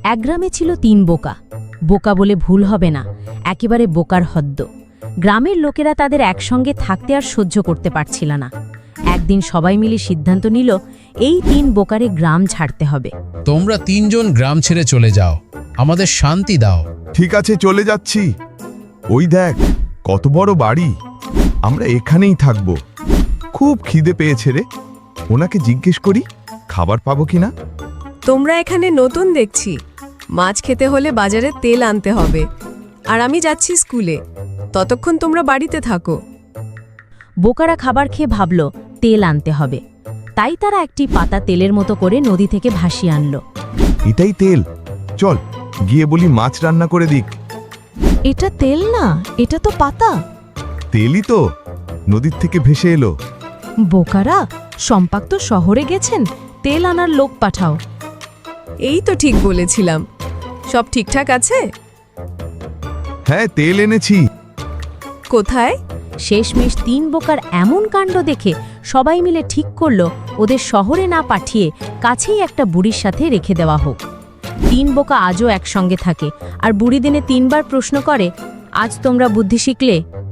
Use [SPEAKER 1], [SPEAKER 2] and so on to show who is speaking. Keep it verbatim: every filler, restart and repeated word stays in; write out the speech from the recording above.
[SPEAKER 1] এক গ্রামে ছিল তিন বোকা। বোকা বলে ভুল হবে না, একেবারে বোকার হদ্দ। গ্রামের লোকেরা তাদের একসঙ্গে থাকতে আর সহ্য করতে পারছিল না। একদিন সবাই মিলে সিদ্ধান্ত নিল, এই তিন বোকারে গ্রাম ছাড়তে হবে।
[SPEAKER 2] তোমরা তিনজন গ্রাম ছেড়ে চলে যাও, আমাদের শান্তি দাও।
[SPEAKER 3] ঠিক আছে, চলে যাচ্ছি। ওই দেখ, কত বড় বাড়ি, আমরা এখানেই থাকবো। খুব খিদে পেয়েছে রে, ওনাকে জিজ্ঞেস করি খাবার পাবো কিনা।
[SPEAKER 4] তোমরা এখানে নতুন দেখছি। মাছ খেতে হলে বাজারে তেল আনতে হবে, আর আমি যাচ্ছি স্কুলে। ততক্ষণ তোমরা বাড়িতে থাকো।
[SPEAKER 1] বোকারা খাবার খেয়ে ভাবল তেল আনতে হবে, তাই তারা একটি পাতা তেলের মতো করে নদী থেকে ভাসিয়ে আনলো।
[SPEAKER 3] এটাই তেল, চল গিয়ে বলি মাছ রান্না করে দিক।
[SPEAKER 1] এটা তেল না, এটা তো পাতা।
[SPEAKER 3] তেলই তো, নদীর থেকে ভেসে এলো।
[SPEAKER 1] বোকারা, সম্পাক তো শহরে গেছেন, তেল আনার লোক পাঠাও।
[SPEAKER 4] এই তো ঠিক বলেছিলাম। সব ঠিকঠাক আছে?
[SPEAKER 3] হ্যাঁ, তেল এনেছি।
[SPEAKER 4] কোথায়?
[SPEAKER 1] শেষমেশ তিন বোকার এমন কাণ্ড দেখে সবাই মিলে ঠিক করল ওদের শহরে না পাঠিয়ে কাছেই একটা বুড়ির সাথে রেখে দেওয়া হোক। তিন বোকা আজও একসঙ্গে থাকে, আর বুড়ি দিনে তিনবার প্রশ্ন করে, আজ তোমরা বুদ্ধি শিখলে?